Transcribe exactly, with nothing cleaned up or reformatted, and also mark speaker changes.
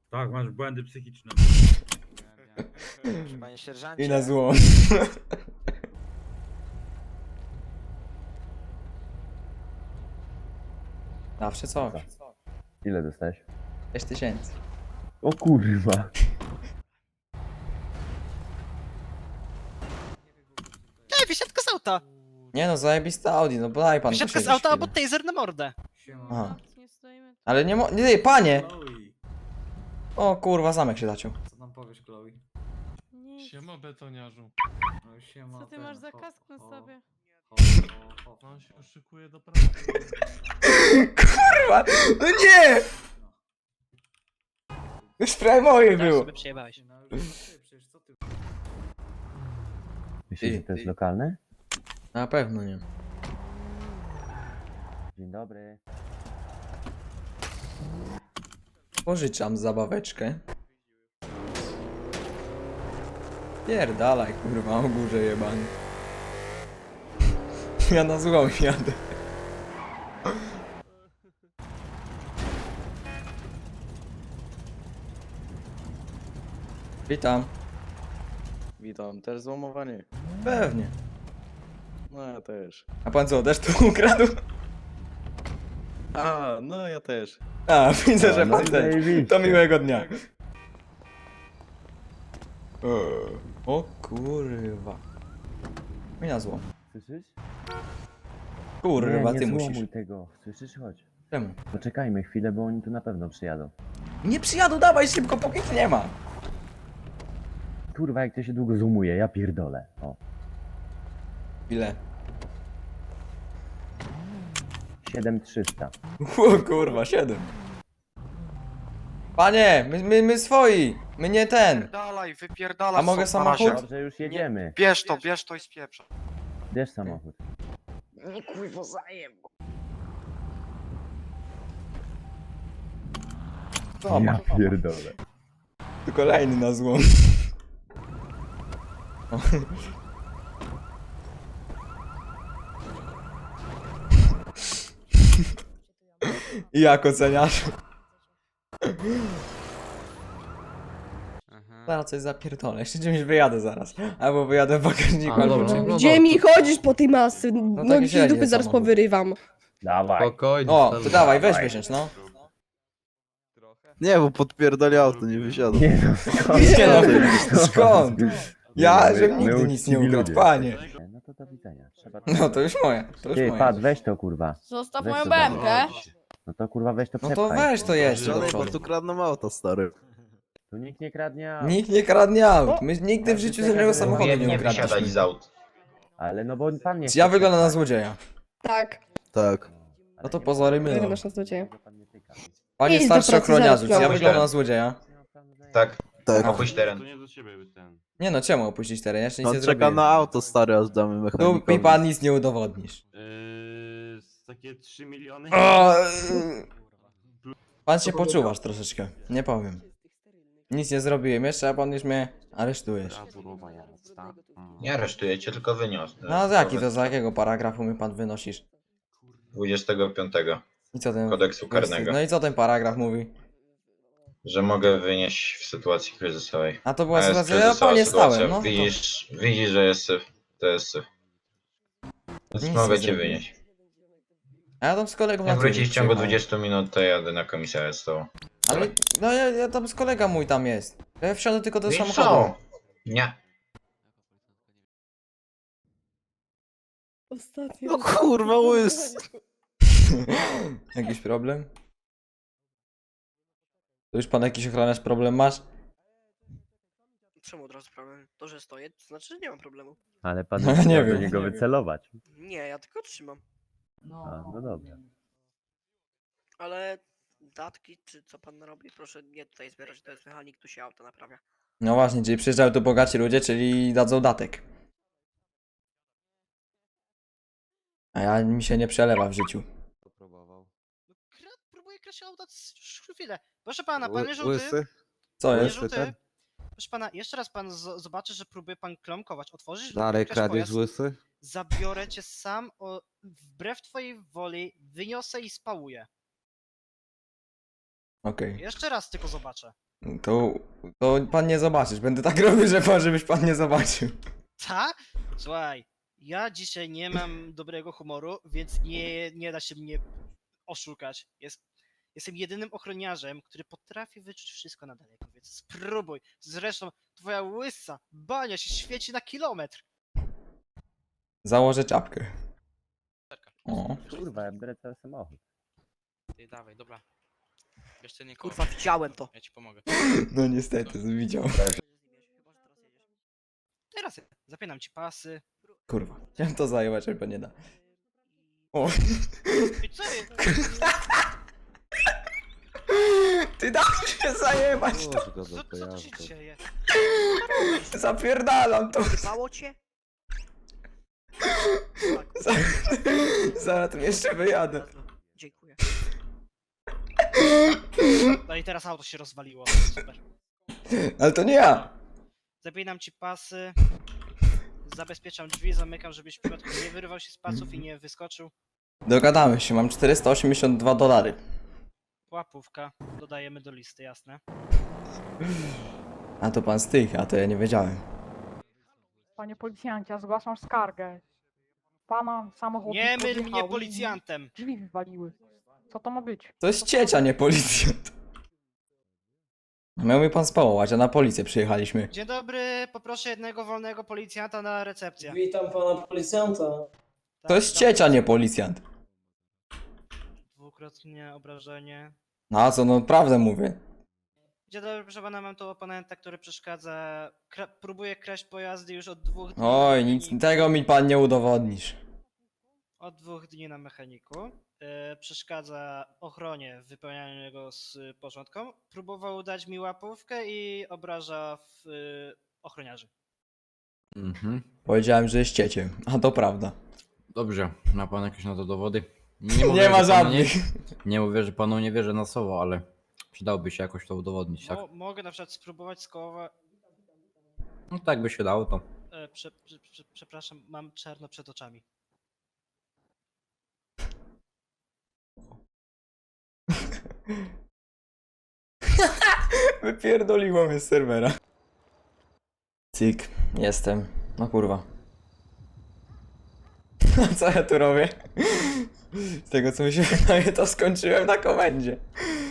Speaker 1: Tak, masz błędy psychiczne.
Speaker 2: Panie sierżancie.
Speaker 3: I na złom. Zawsze coś.
Speaker 4: Ile dostałeś?
Speaker 3: sześć tysięcy.
Speaker 4: O kurwa.
Speaker 2: Ej, wysiadka z auta!
Speaker 3: Nie no, zajebiste Audi, no bo daj pan
Speaker 2: Wysiadka z
Speaker 3: posiedzieć
Speaker 2: auta
Speaker 3: chwilę.
Speaker 2: albo taser na mordę.
Speaker 3: Aha.
Speaker 5: Nie stoimy.
Speaker 3: Ale nie mo... Nie, panie!
Speaker 1: Chloe,
Speaker 3: O kurwa, zamek się zaciął.
Speaker 1: co tam powiesz, Chloe?
Speaker 5: Nic.
Speaker 6: Siema betoniarzu.
Speaker 1: No siema,
Speaker 5: Co ty
Speaker 1: ten,
Speaker 5: masz za
Speaker 1: ho-
Speaker 5: kask na
Speaker 1: ho-
Speaker 5: sobie?
Speaker 1: ho- ho- ho-
Speaker 6: On się szykuje do pracy.
Speaker 3: Kurwa! No nie! Już prawie moje
Speaker 2: Teraz
Speaker 3: było.
Speaker 2: sobie przyjebałeś.
Speaker 1: No już ty, przecież co ty?
Speaker 4: Myślisz, że to jest lokalne?
Speaker 3: Na pewno nie.
Speaker 4: Dzień dobry.
Speaker 3: Pożyczam zabaweczkę. Pierdalaj, kurwa, o górze jebany. Ja na złom jadę. Witam.
Speaker 7: Witam, też złamowany?
Speaker 3: Pewnie.
Speaker 7: No ja też.
Speaker 3: A pan co, też tu ukradł?
Speaker 7: A, no ja też.
Speaker 3: A, widzę, że
Speaker 4: no
Speaker 3: pan
Speaker 4: i
Speaker 3: też.
Speaker 4: zajebiście.
Speaker 3: To miłego dnia. O kurwa. I na złom.
Speaker 4: Słyszysz?
Speaker 3: Kurwa,
Speaker 4: nie,
Speaker 3: ty
Speaker 4: nie
Speaker 3: musisz.
Speaker 4: złomuj tego. Słyszysz? Chodź.
Speaker 3: Czemu?
Speaker 4: Poczekajmy chwilę, bo oni tu na pewno przyjadą.
Speaker 3: Nie przyjadą, dawaj szybko, póki ich nie ma.
Speaker 4: Kurwa, jak to się długo zoomuje, ja pierdolę. O.
Speaker 3: Ile?
Speaker 4: siedem trzysta.
Speaker 3: O kurwa, siedem. Panie, my, my, my swoi. My nie ten.
Speaker 8: Wypierdalaj, wypierdalaj.
Speaker 3: A mogę
Speaker 8: stąd na razie.
Speaker 3: samochód?
Speaker 4: Dobrze, już jedziemy.
Speaker 8: Bierz to, bierz to i spieprz.
Speaker 4: Bierz samochód.
Speaker 2: Nie kurwa zajem.
Speaker 3: O, ma.
Speaker 4: Ja pierdolę.
Speaker 3: Tu kolejny na złom. O. I jak oceniasz? Zaraz coś zapierdolę, jeszcze czymś wyjadę zaraz. Albo wyjadę w bagażniku,
Speaker 6: A,
Speaker 3: albo
Speaker 6: dobra.
Speaker 3: czymś.
Speaker 6: No
Speaker 9: Gdzie mi chodzisz po tej masy?
Speaker 3: tak
Speaker 9: Nogi ci z
Speaker 3: średnio
Speaker 9: dupy zaraz
Speaker 3: samochód.
Speaker 9: powyrywam.
Speaker 4: Dawaj.
Speaker 6: Spokojnie.
Speaker 3: O,
Speaker 6: stary.
Speaker 3: to dawaj, weź wysiądź, no.
Speaker 7: Nie, bo podpierdoli auto, nie wysiadam.
Speaker 4: Nie no, skąd?
Speaker 3: Nie no, skąd? Ja,
Speaker 4: My-
Speaker 3: żebym
Speaker 4: my
Speaker 3: nigdy nic nie
Speaker 4: uczciwi
Speaker 3: ukradł,
Speaker 4: ludzie.
Speaker 3: panie.
Speaker 4: No to do widzenia. Trzeba...
Speaker 3: No to już moje, to już
Speaker 4: Ty,
Speaker 3: moje.
Speaker 4: Pat, weź to kurwa.
Speaker 9: Zostaw
Speaker 4: Weź
Speaker 9: moją
Speaker 4: to
Speaker 9: B M K.
Speaker 4: No to kurwa weź to
Speaker 3: No to
Speaker 4: przepchaj.
Speaker 3: weź to jeszcze do
Speaker 7: Żadnej, bo
Speaker 3: przodu.
Speaker 7: tu kradną auto, stary.
Speaker 4: Tu nikt nie kradnie aut.
Speaker 3: Nikt nie kradnie aut. My nigdy w życiu żadnego samochodu nie ukradliśmy.
Speaker 10: z aut.
Speaker 4: Ale no bo pan nie
Speaker 3: Czy ja
Speaker 4: chce
Speaker 3: wyglądam na
Speaker 4: przepchać.
Speaker 3: złodzieja?
Speaker 9: Tak.
Speaker 7: Tak.
Speaker 3: No to pozory mylą.
Speaker 9: Wyglądasz na złodzieja.
Speaker 3: Panie
Speaker 9: Idź do
Speaker 3: starszy
Speaker 9: pracy,
Speaker 3: ochroniarzu, czy
Speaker 9: zaraz
Speaker 3: ja
Speaker 9: wrócę.
Speaker 3: wyglądam na złodzieja?
Speaker 10: Tak,
Speaker 7: Tak.
Speaker 10: opuść teren.
Speaker 3: Nie no, czemu opuścić teren? Ja jeszcze nic
Speaker 7: On
Speaker 3: nie
Speaker 7: czeka
Speaker 3: zrobiłem.
Speaker 7: na auto, stary, aż damy
Speaker 3: Tu
Speaker 7: mechanikowi.
Speaker 3: mi pan nic nie udowodnisz.
Speaker 6: Yy, takie trzy miliony.
Speaker 3: O, yy. Pan się poczuwasz troszeczkę, nie powiem. Nic nie zrobiłem jeszcze, a pan już mnie aresztujesz.
Speaker 10: Nie aresztuję cię, tylko wyniosę.
Speaker 3: No z jaki to, za jakiego paragrafu mi pan wynosisz?
Speaker 10: dwudziestego piątego
Speaker 3: I co ten...
Speaker 10: kodeksu karnego.
Speaker 3: No i co ten paragraf mówi?
Speaker 10: Że mogę wynieść w sytuacji kryzysowej.
Speaker 3: A to była
Speaker 10: A jest
Speaker 3: sytuacja, ja
Speaker 10: kryzysowa
Speaker 3: po nie
Speaker 10: sytuacja.
Speaker 3: stałem, no. To...
Speaker 10: Widzisz, widzisz, że jest syf. To jest syf. Więc
Speaker 3: Nic
Speaker 10: mogę
Speaker 3: nie
Speaker 10: cię
Speaker 3: zrobiłem.
Speaker 10: wynieść.
Speaker 3: A ja tam z kolegą na
Speaker 10: Jak
Speaker 3: tydzień
Speaker 10: wrócisz w ciągu
Speaker 3: przyjechałem.
Speaker 10: dwudziestu minut, to jadę na komisariat z tobą.
Speaker 3: Ale, no ja, ja tam z kolega mój tam jest. Ja wsiądę tylko do
Speaker 10: No i
Speaker 3: samochodu.
Speaker 10: co? Nie.
Speaker 9: Ostatnio.
Speaker 7: No kurwa, łys.
Speaker 3: Jakiś problem? To już pan jakiś ochroniarz problem masz?
Speaker 2: Czemu od razu problem? To, że stoję, to znaczy, że nie mam problemu.
Speaker 4: Ale pan
Speaker 3: No,
Speaker 4: nie
Speaker 3: nie
Speaker 4: chciał do
Speaker 3: wiem.
Speaker 4: niego wycelować.
Speaker 2: Nie, ja tylko trzymam.
Speaker 4: A, no dobra.
Speaker 2: Ale datki, czy co pan robi, proszę nie tutaj zbierać, to jest mechanik, tu się auto naprawia.
Speaker 3: No właśnie, czyli przyjeżdżają tu bogaci ludzie, czyli dadzą datek. A ja mi się nie przelewa w życiu.
Speaker 2: No, kra, próbuję kraść auta już chwilę. Proszę pana, panie
Speaker 7: Ły-
Speaker 2: żółty.
Speaker 7: Łysy?
Speaker 3: Co
Speaker 2: Panie
Speaker 3: jest?
Speaker 7: Łysy
Speaker 2: żółty.
Speaker 7: ten?
Speaker 2: Proszę pana, jeszcze raz pan z- zobaczy, że próbuje pan klamkować. Otworzysz?
Speaker 7: Dalej
Speaker 2: kraść
Speaker 7: kradziesz
Speaker 2: pojazd,
Speaker 7: łysy?
Speaker 2: zabiorę cię sam, o, wbrew twojej woli, wyniosę i spałuję.
Speaker 3: Okej.
Speaker 2: Jeszcze raz tylko zobaczę.
Speaker 3: To, to pan nie zobaczysz. Będę tak robił, że pan, żebyś pan nie zobaczył.
Speaker 11: Ta? Słuchaj, ja dzisiaj nie mam dobrego humoru, więc nie, nie da się mnie oszukać. Jest, jestem jedynym ochroniarzem, który potrafi wyczuć wszystko na daleko, więc spróbuj. Zresztą twoja łysa bania się świeci na kilometr.
Speaker 3: Założę czapkę. O.
Speaker 4: Kurwa, ja biorę cały samochód.
Speaker 8: Ty dawaj, dobra. Jeszcze nie
Speaker 2: Kurwa, widziałem to.
Speaker 8: Ja ci pomogę.
Speaker 3: No niestety, widział.
Speaker 11: Teraz ja zapinam ci pasy.
Speaker 3: Kurwa, chciałem to zajmować, ale nie da. O.
Speaker 11: I co jest?
Speaker 3: Ty daj się zajebać to.
Speaker 7: Puść go
Speaker 11: Co,
Speaker 7: do
Speaker 11: co tu się
Speaker 7: pojazdu.
Speaker 11: dzieje?
Speaker 3: Zapierdalam to.
Speaker 2: Mało cię?
Speaker 3: Za- Zaraz tu jeszcze wyjadę.
Speaker 2: Dziękuję.
Speaker 11: No i teraz auto się rozwaliło. Super.
Speaker 3: Ale to nie ja.
Speaker 11: Zapinam ci pasy. Zabezpieczam drzwi, zamykam, żebyś w przypadku nie wyrwał się z pasów i nie wyskoczył.
Speaker 3: Dogadamy się, mam czterysta osiemdziesiąt dwa dolary.
Speaker 11: Łapówka. Dodajemy do listy, jasne.
Speaker 3: A to pan z tych, a to ja nie wiedziałem.
Speaker 5: Panie policjancie, ja zgłaszam skargę. Pana samochód
Speaker 11: Nie myl
Speaker 5: podjechał
Speaker 11: mnie
Speaker 5: i
Speaker 11: policjantem!
Speaker 5: Drzwi wywaliły. Co to ma być?
Speaker 3: To jest ciecia, nie policjant. Miał mnie pan spałować, a na policję przyjechaliśmy.
Speaker 11: Dzień dobry, poproszę jednego wolnego policjanta na recepcję.
Speaker 1: Witam pana policjanta.
Speaker 3: To jest ciecia, nie policjant.
Speaker 11: Dwukrotnie obrażenie.
Speaker 3: No a co, no prawdę mówię.
Speaker 11: Dzień dobry, proszę pana, mam tu oponenta, który przeszkadza. Kra próbuje kraść pojazdy już od dwóch dni.
Speaker 3: Oj,
Speaker 11: na
Speaker 3: nic
Speaker 11: mechaniku.
Speaker 3: tego mi pan nie udowodnisz.
Speaker 11: Od dwóch dni na mechaniku. E, przeszkadza ochronie w wypełnianiu jego z y, porządką. Próbował dać mi łapówkę i obraża w, y, ochroniarzy.
Speaker 12: Mhm.
Speaker 3: Powiedziałem, że jest cieciem, a to prawda.
Speaker 12: Dobrze, ma pan jakieś na to dowody?
Speaker 3: Nie,
Speaker 12: mówię,
Speaker 3: ma
Speaker 12: że panu
Speaker 3: żadnych.
Speaker 12: Nie, nie mówię, że panu nie wierzę na słowo, ale przydałoby się jakoś to udowodnić, tak?
Speaker 11: Mo mogę na przykład spróbować skołować.
Speaker 12: No tak by się dało to.
Speaker 11: E, prze prze prze przepraszam, mam czarno przed oczami.
Speaker 3: Wypierdoliło mnie z serwera. Cyk, jestem. No kurwa. Co ja tu robię? Z tego co mi się wydaje, to skończyłem na komendzie.